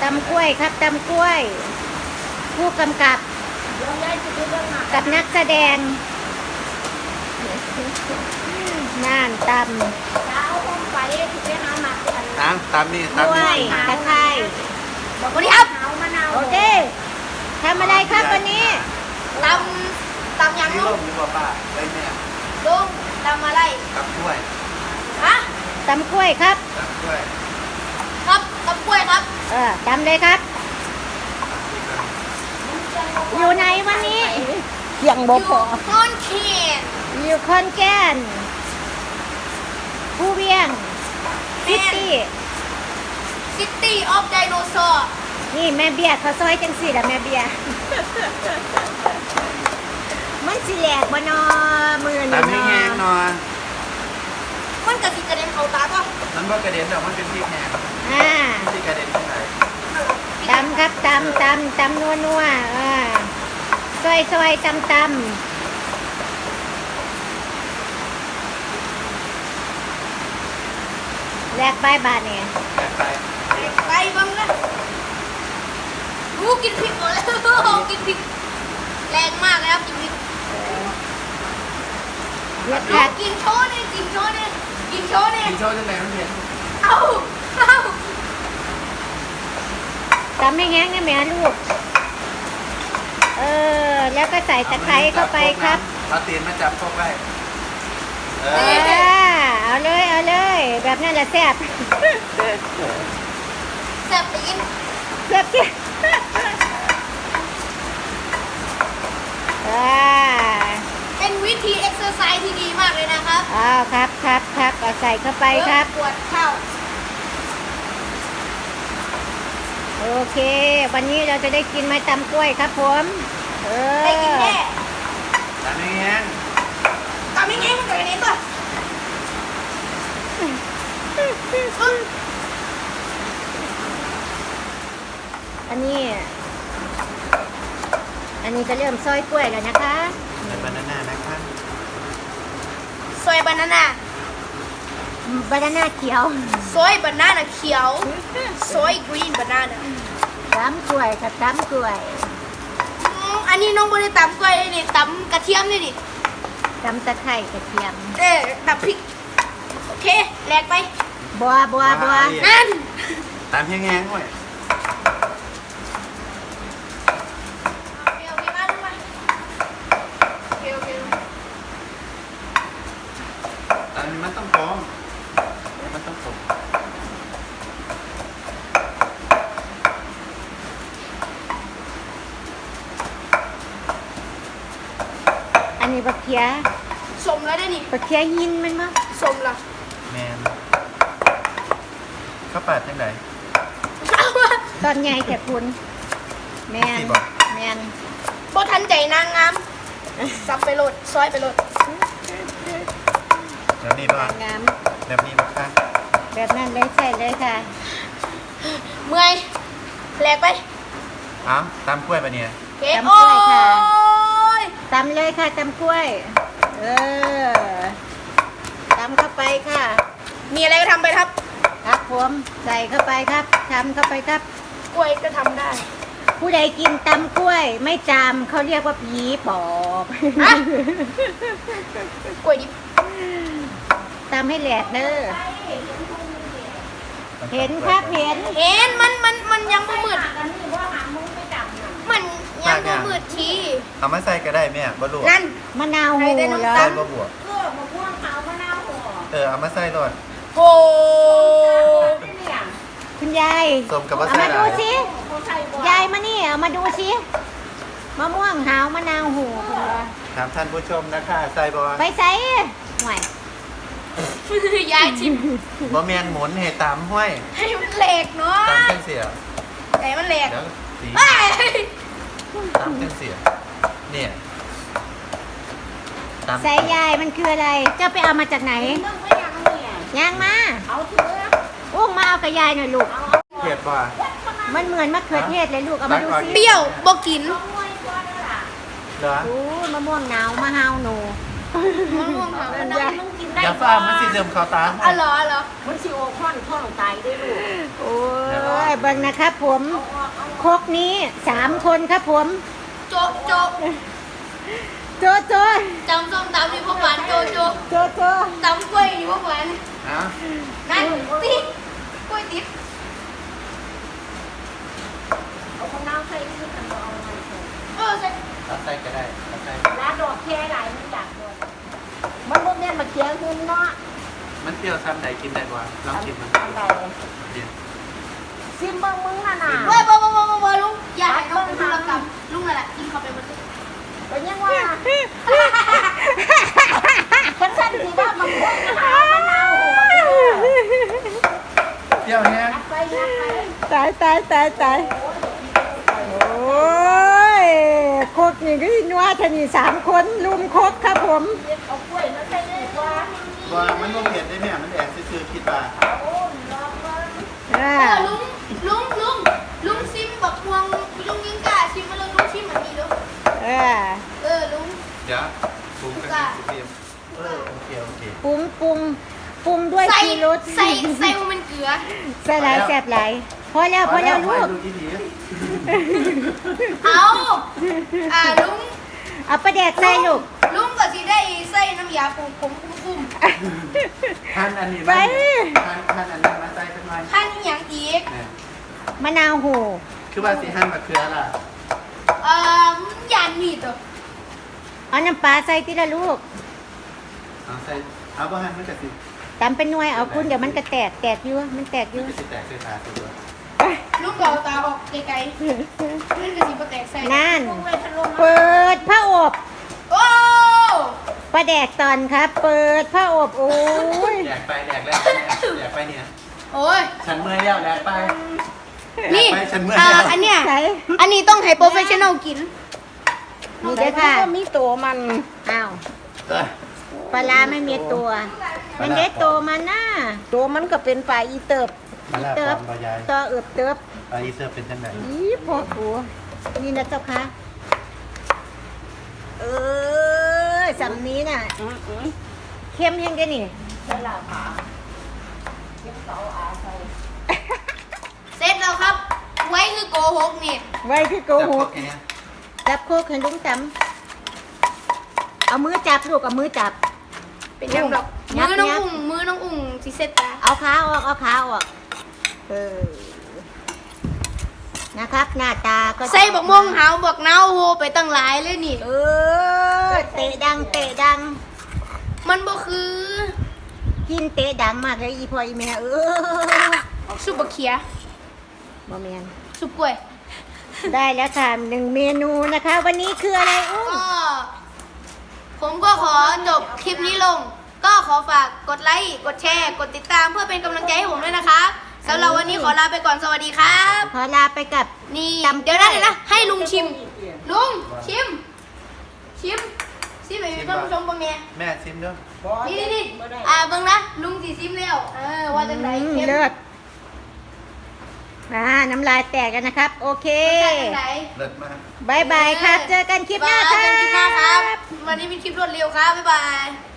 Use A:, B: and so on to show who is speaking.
A: ตำกล้วยครับตำกล้วย ผู้กำกับกับนักแสดงน่านตำ
B: ตามนี่
A: ก
B: ตาม
A: ล้วย
B: นี่
A: ตะไคร้
C: สวัสดีครับ
A: โอเคทำอะไรครับวันนี้
C: ตำยัง
B: ที่
C: ลุ
B: ร่
C: ง
B: มดีกว่าป้าได้แม่
C: ลุงตำอะไร
B: กับกล้วย
C: ฮะ
A: ตำกล้วยครับ
B: กับกล้วย
C: ครับตำกล้วยครับ
A: ตำเลยครับ อยู่ไหนวันนี้ยัง
C: อ
A: บ่
C: ยู่
A: พอ
C: คอนเคน
A: อยู่คอนแก่นผู้เวียงซิตี้
C: ซิตี้ออฟไดโนเสาร์
A: นี่แม่เบียร์เขาซอยจังสี่ละแม่เบียร์ มันสิแหลกบ่นอมือ
B: ตาม
A: นี่
B: ให้แห้งหน่อย
C: มันกระสิกระเด็นเข้าตาป่ะ
B: มันบ่กระเด็นแต่มันเป็นพริกแห้ง
A: อ่า
B: ที่กระเด็นที่ไหน
A: ตำครับตำนัวซอยตำแลกใบบาทเนี่ย
B: ไป
C: ไปบ้างนะกินพริกหมดแล้วกินพริกแรงมากเลยครับกินพริก
A: เรียก
C: ลู
A: คั
C: ก
A: ก
C: กินโชว์เนี่ยกินโชว์เนี่ยกินโชว์เนี่ย
B: กินโชว์จังไหนมันเห็น
C: เอา
A: ตำให้แห้งนะแม่ลูก แล้วก็ใส่ตะไคร้เข้าไปครับ
B: เอาตีนมาจับพวกไว้เออ
A: เอาเลย แบบนั้นแหละแซ่บ
C: แซ่บตีน
A: แซ่บที่
C: เป็นวิธีเอ็กซ์เซอร์ไซส์ที่ดีมากเลยนะครับ
A: อ้าวครับเอาใส่เข้าไปครับ
C: ปวดเข่า
A: โอเค วันนี้เราจะได้กินไม้ตำกล้วยครับผม
C: ได้กินแน่
B: ตามให้แห้ง
C: ทำยังไงมันเกิดอะไรป่ะ
A: อันนี้ก็เริ่มซอยกล้วยแล้วนะคะ
B: ใส่บานาน่านะคะ
C: ซอยบานาน่า
A: บานาน่าเขียว
C: ซอยบานาน่าเขียวซอยกรีนบานาน่า
A: ตำกล้วยครับตำกล้วย
C: อันนี้น้องบริตำกล้วยเลยนี่ตำกระเทียมเลยนี่
A: ตำตะไคร้กระเทียม
C: ตำพริกโอเคแหลกไป
A: บัว
C: นั่น
B: ตามให้แห้งด้วย
C: โอเคมาลงมาโอเค
B: ตามมันต้องพร้อมมันต้องผม
A: อันนี้บักเขีย
C: สมแล้วได้นี่
A: บักเขียหินมันมั้ง
C: สมละ
B: แมนข้าวปาดจังไหน
A: ตอนใหญ่แต่คุณแมน
B: สิบอก
A: แมน
C: บ่ทันใจนางงามสับไปโหลดซอยไปโหลด
B: แบบนี้ป่ะ
A: งาม
B: แบบนี้ป่ะคะ
A: แบบนั้นเลยใช่เลยค่ะ
C: เมื่อยแหลกไป
B: เอ้าตามกล้วยปะเนี่ย
C: โอเค
A: ตำกล้วยค่ะ
C: โอ้ย
A: ตำเลยค่ะตำกล้วย ตำเข้าไปค่ะ
C: มีอะไรก็ทำไปครับ
A: ครับผมใส่เข้าไปครับทำเข้าไปครับ
C: กล้วยก็ทำได้
A: ผู้ใดกินตำกล้วย ไม่จำเขาเรียกว่าผีปอบ
C: ฮะ กล้วยดิบ
A: ตำให้แหลกเด้อเห็นครับเห็น
C: เห็นมันยังบ่มืดมันยังบ่มืดที
B: เอามาใส่ก็ได้แม่บ่ลวก
C: นั่น
A: มะนาวโห
C: ใส่ได้น้ำ
A: เหรอ
C: ตา
B: ใส่
C: ล
B: บ่บวกเอามาใส่รอด
C: โอ้
A: คุณยาย
B: ส้มกับมะ
A: เอา
B: ใส่
A: มา
B: ห
A: ดู
B: ลาย
A: สิยายมานี่เอามาดูสิมะม่วงหาวมะนาวโหคุณเหรอ
B: ถามท่านผู้ชมนะคะใส่บ่
A: ไปใส่ห่วย
C: ยายชิม
B: บ่แม่นหมุนให้ตามห้วย
C: ให้มันแหลกเนาะ
B: ตามจังเสีย
C: ให้มันแหลก
B: เดี๋ยวสี
C: เอ้ย
B: ตามจังเสียเนี่ยตาม
A: ใส่ยายมันคืออะไร เจ้าไปเอามาจากไหนย่างมาอุ้มมาเอากับยายหน่อยลูก
B: เผ็ดบ่
A: มันเหมือนมะเขือเทศเลยลูกเอามาดู
C: เป
A: สิ
C: รี้ยวบ่กิน
B: เหรอ
A: โอ้ยมะม่วงหนาวมะฮาวหนู
C: มะม่วงหาวมะนาว
B: อย่าฟ้ามันสิเดิมเข้าตาห้ว
C: อ๋อย เหรอ
A: มันสิโอค่อนท่องตายด้วยลูกโอ้ยอยเบิ่งนะครับผมครกนี้3 คนครับผม
C: โจโจ
A: โจโจ
C: จำส้มตำอยู่พวกหวานโจโจ
A: โจโจ
C: ตำกล้วยอยู่พวกหวาน
B: นะ
C: นั่นติ๊กกล้วยติ๊ก
D: เอาข้าวเน่าใส่ที่กันเอาอะไรใส่
C: ใส่
B: ตัดไส้ก็ได้ตัดไส้
D: ลาดอกแค่ไหลมันจับด้วยมันพวกเนี้ยมาเคี้ยวขึ้นเนาะ
B: มันเปรี้ยวซ้ำใดกินได้กว่าลองชิมมัน
D: อันใด
B: เดี๋ยว
D: ซิมเบิ้งมึงน่ะน่ะ
C: เว้ยบ่ลุงอย่าให้น้องเป็นธุรกรรมลุงนั่นแหละกินเข้าไปหมดเลย
D: เป็นยังว่าคนสั้นสิว่ามันพวกมะนาวหัว
B: เปรี้ยวแห้ง
D: ไปยักไป
A: ตายโอ้ยครกนี่ก็นัวทนี่3 คนลุมครกครับผม
D: เอากล้วยมาใส่เลยว่า
B: ว่ามันบ่เผ็ดได้แม่มันแอบซื่อๆคิดว่า
D: โอ้ยลองมา
A: อ่า
C: ลุงซิมบักพวงลุงยังกล้าชิมมาเลยลุงชิมเหมือนนี้เด้อ ลุง
B: เดี๋ยวปรุงกันนิดเดียวโอเค
A: ปรุงด้วย
C: ใส่
A: ชีรส
C: ใส่มันเกลือ
A: ใส่หลายแซ่บหลายพอแล้วลูก
B: ดูอีหลี
C: เอาลุง
A: เอาปลาแดกใส่ลูก
C: ลุงก็สิได้ใส่น้ำยาปูผมคุ้ม
B: หั่นอันนี้
A: ไป
B: หั่นอันนี้มาใส่เป็นไง
C: ขั้นอหย่างอีก
B: เนี่ย
A: มะนาวโห
B: คือว่าสิหั่นมะเขือล่ะ
C: ยานมีดตัว
A: เอาน้ำปลาใส่ทีละลูก
B: เอาใส่เอาบ่หั่นมันก็สิ
A: ตำเป็นหน่วยเอาคุณเดี๋ยวมันก็แตกอยู่มันแตกอยู่
B: มันก็สิแตกใส่ตาตัว
C: ลุงก็เอาตาออกไกลๆมันก็สิบ่แตกใส่
A: นั่น
D: ลงเลยทะลุ
A: เปิดผ้าอบ
C: โอ้
A: ปลาแดกตอนครับ เปิดผ้าอบโอ้ย
B: แดกไปเนี่ย
C: โอ้ย
B: ฉันเมื่อยแล้วแดกไป
C: นี่
B: แดกไปฉันเมื่อยแล้ว
C: อันเนี้ย
A: ใส่
C: อันนี้ต้องให้โปรเฟชชั่นอลกิน
A: นี่เด้อค่ะ
D: ก็มีตัวมัน
A: อ้าวปลาร้าไม่มีตัว มันได้ตัวมันน่ะ
D: ตัวมันก็เป็นปลาอีเติบ
B: มาแล้ว
A: เติ
B: ป
A: บ
B: อมบายาย
A: ตัวเอือบเติบ
B: ปลาอีเซอร์เป็นจังได
A: อีพ่อกูนี่นะเจ้าค่ะสำนี้น่ะเข้มยังไงนี่
D: ใช่ละผาเก็บเสาอาใส่
C: เสร็จแล้วครับ ไว้คือโกหกนี่
A: ไว้คือโกหก
B: จับพวแค่เนี้ย
A: จับโคกให้ลุงจำเอามือจับลูกเอามือจับ
C: เป็นยังดอก
A: งับ
C: มือน้องอุ่งสิเสร็จตา
A: เอาขาออกเอาขาออกนะครับ หน้าตาก็จะ
C: ใส่บักม่วงหาวบักนาวโหไปตั้งหลายเลยนี่
A: เตะดัง
C: มันบ่คือ
A: กินเตะดังมากเลยอีพ่ออีแม่
C: ซุปบักเขีย
A: บ่แมน
C: ซุปกล้วย
A: ได้แล้วค่ะ1 เมนูนะคะ วันนี้คืออะไรอุ้ม
C: ก็ผมก็ขอจบคลิปนี้ลง ก็ขอฝากกดไลค์ กดแชร์ กดติดตามเพื่อเป็นกำลังใจให้ผมด้วยนะครับสำหรับวันนี้ขอลาไปก่อน สวัสดีครับ
A: ขอลาไปกับ
C: นี่
A: จำ
C: เดี๋ยวนะให้ลุงชิม ลุงชิมไปเป็นท่านผู้ชมบ้างเนี่ย
B: แม่ชิมด้วย
C: นี่เบิ่งนะลุงสิซิมแล้วว่าจังไดเข้ม
A: เลิศน้ำลายแตกกันนะครับ โอเค
C: รสชาติจังได
B: เลิศมาก
A: บายบายครับ เจอกันคลิปหน้าค
C: เจอกันคลิปหน้าค
A: รั
C: รับ บ วันนี้เป็นคลิปรวดเร็วครับ บ๊ายบาย